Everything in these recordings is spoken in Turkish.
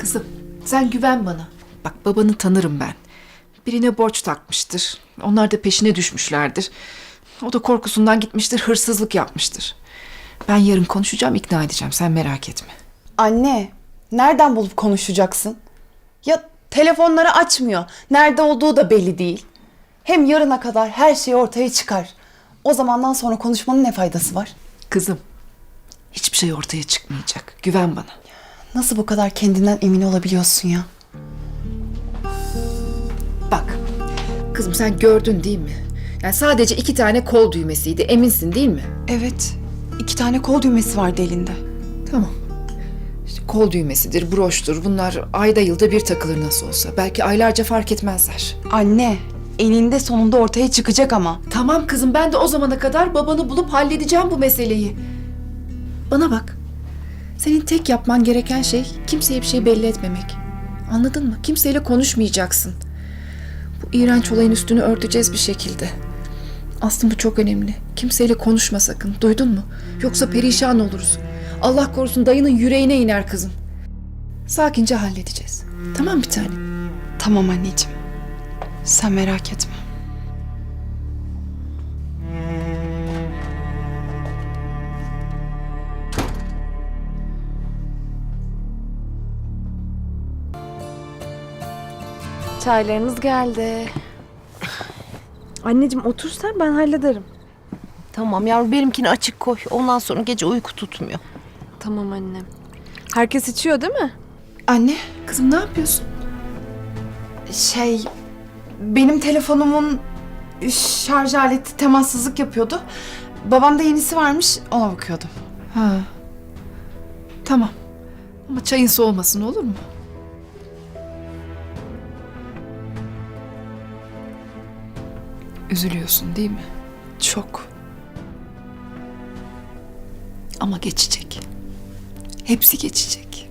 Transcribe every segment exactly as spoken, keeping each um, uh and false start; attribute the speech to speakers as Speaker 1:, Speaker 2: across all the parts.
Speaker 1: Kızım, sen güven bana. Bak, babanı tanırım ben. Birine borç takmıştır. Onlar da peşine düşmüşlerdir. O da korkusundan gitmiştir, hırsızlık yapmıştır. Ben yarın konuşacağım, ikna edeceğim. Sen merak etme.
Speaker 2: Anne, nereden bulup konuşacaksın? Ya telefonları açmıyor. Nerede olduğu da belli değil. Hem yarına kadar her şey ortaya çıkar. O zamandan sonra konuşmanın ne faydası var?
Speaker 1: Kızım, hiçbir şey ortaya çıkmayacak. Güven bana.
Speaker 2: Nasıl bu kadar kendinden emin olabiliyorsun ya?
Speaker 1: Bak, kızım sen gördün değil mi? Yani sadece iki tane kol düğmesiydi. Eminsin değil mi?
Speaker 2: Evet, iki tane kol düğmesi vardı elinde.
Speaker 1: Tamam. İşte kol düğmesidir, broştur. Bunlar ayda yılda bir takılır nasıl olsa. Belki aylarca fark etmezler.
Speaker 2: Anne, eninde sonunda ortaya çıkacak ama.
Speaker 1: Tamam kızım, ben de o zamana kadar babanı bulup halledeceğim bu meseleyi. Bana bak. Senin tek yapman gereken şey kimseye bir şey belli etmemek. Anladın mı? Kimseyle konuşmayacaksın. Bu iğrenç olayın üstünü örteceğiz bir şekilde. Aslında bu çok önemli. Kimseyle konuşma sakın. Duydun mu? Yoksa perişan oluruz. Allah korusun dayının yüreğine iner kızım. Sakince halledeceğiz. Tamam bir tane.
Speaker 2: Tamam anneciğim. Sen merak etme.
Speaker 3: Çaylarınız geldi.
Speaker 4: Anneciğim otur sen, ben hallederim.
Speaker 3: Tamam yavrum, benimkini açık koy. Ondan sonra gece uyku tutmuyor.
Speaker 4: Tamam annem. Herkes içiyor değil mi?
Speaker 2: Anne,
Speaker 1: Kızım ne yapıyorsun?
Speaker 2: şey... Benim telefonumun şarj aleti temassızlık yapıyordu. Babamda yenisi varmış, ona bakıyordum.
Speaker 1: Ha. Tamam. Ama çayın soğumasın, olur mu? Üzülüyorsun değil mi? Çok. Ama geçecek. Hepsi geçecek.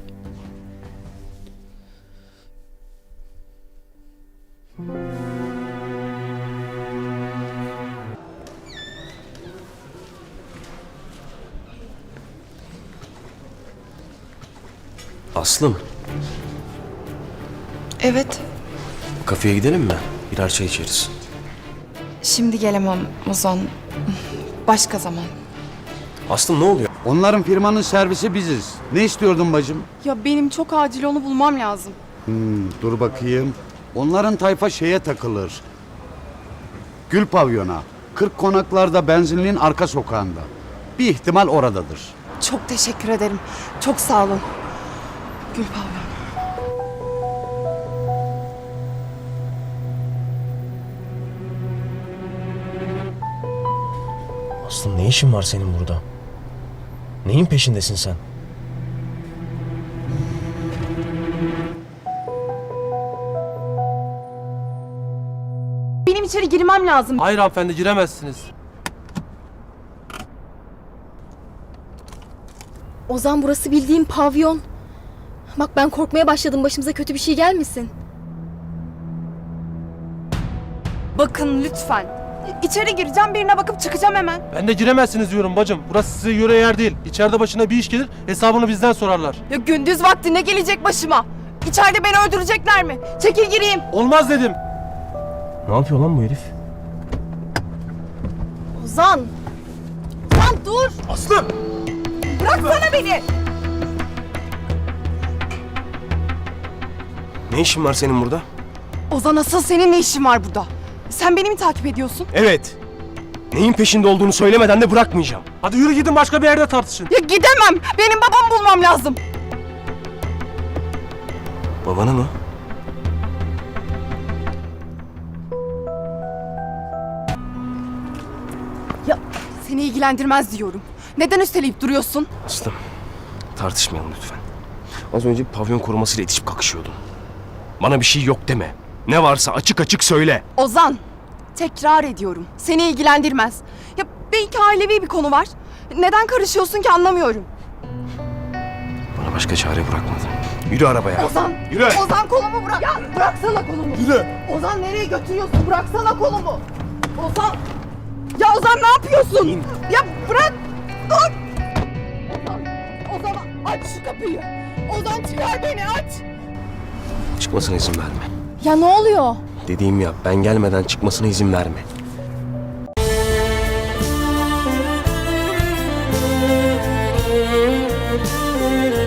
Speaker 5: Aslım,
Speaker 2: Evet,
Speaker 5: kafeye gidelim mi? Birer çay içeriz.
Speaker 2: şimdi gelemem Ozan. Başka zaman.
Speaker 5: Aslım ne oluyor?
Speaker 6: Onların firmanın servisi biziz. Ne istiyordun bacım?
Speaker 2: Ya benim çok acil onu bulmam lazım.
Speaker 6: Hmm, dur bakayım. Onların tayfa şeye takılır. Gül pavyona. Kırk konaklarda benzinliğin arka sokağında. Bir ihtimal oradadır.
Speaker 2: Çok teşekkür ederim. Çok sağ olun. Gül Pavyon.
Speaker 5: Aslım ne işin var senin burada? Neyin peşindesin sen?
Speaker 2: Benim içeri girmem lazım.
Speaker 7: Hayır hanımefendi, giremezsiniz.
Speaker 8: Ozan, burası bildiğim pavyon. Bak ben korkmaya başladım, başımıza kötü bir şey gelmesin.
Speaker 2: Bakın lütfen. İçeri gireceğim, birine bakıp çıkacağım hemen.
Speaker 7: Ben de giremezsiniz diyorum bacım. Burası size göre yer değil. İçeride başına bir iş gelir, hesabını bizden sorarlar.
Speaker 2: Ya gündüz vakti ne gelecek başıma? İçeride beni öldürecekler mi? Çekil gireyim.
Speaker 7: Olmaz dedim.
Speaker 5: Ne yapıyor lan bu herif?
Speaker 8: Ozan! Ozan dur!
Speaker 7: Aslım!
Speaker 2: Bıraksana beni.
Speaker 5: Ne işin var senin burada?
Speaker 2: Ozan, asıl senin ne işin var burada? Sen beni mi takip ediyorsun?
Speaker 5: Evet. Neyin peşinde olduğunu söylemeden de bırakmayacağım.
Speaker 7: Hadi yürü gidin, başka bir yerde tartışın.
Speaker 2: Ya gidemem. Benim babamı bulmam lazım.
Speaker 5: Babanı mı?
Speaker 2: Ya seni ilgilendirmez diyorum. Neden üsteleyip duruyorsun?
Speaker 5: Aslım, tartışmayalım lütfen. Az önce bir pavyon korumasıyla itişip kakışıyordun. Bana bir şey yok deme. Ne varsa açık açık söyle.
Speaker 2: Ozan, tekrar ediyorum. Seni ilgilendirmez. Ya belki ailevi bir konu var. Neden karışıyorsun ki anlamıyorum.
Speaker 5: Bana başka çare bırakmadın. Yürü arabaya.
Speaker 2: Ozan,
Speaker 5: Yürü.
Speaker 2: Ozan kolumu bırak. Ya bıraksana kolumu. Yürü. Ozan nereye götürüyorsun? Bıraksana kolumu. Ozan. Ya Ozan ne yapıyorsun?
Speaker 5: İn.
Speaker 2: Ya bırak. Dur. Ozan, Ozan aç şu kapıyı. Ozan çıkar beni, aç.
Speaker 5: çıkmasına izin verme.
Speaker 8: Ya ne oluyor?
Speaker 5: Dediğimi yap. Ben gelmeden çıkmasına izin verme.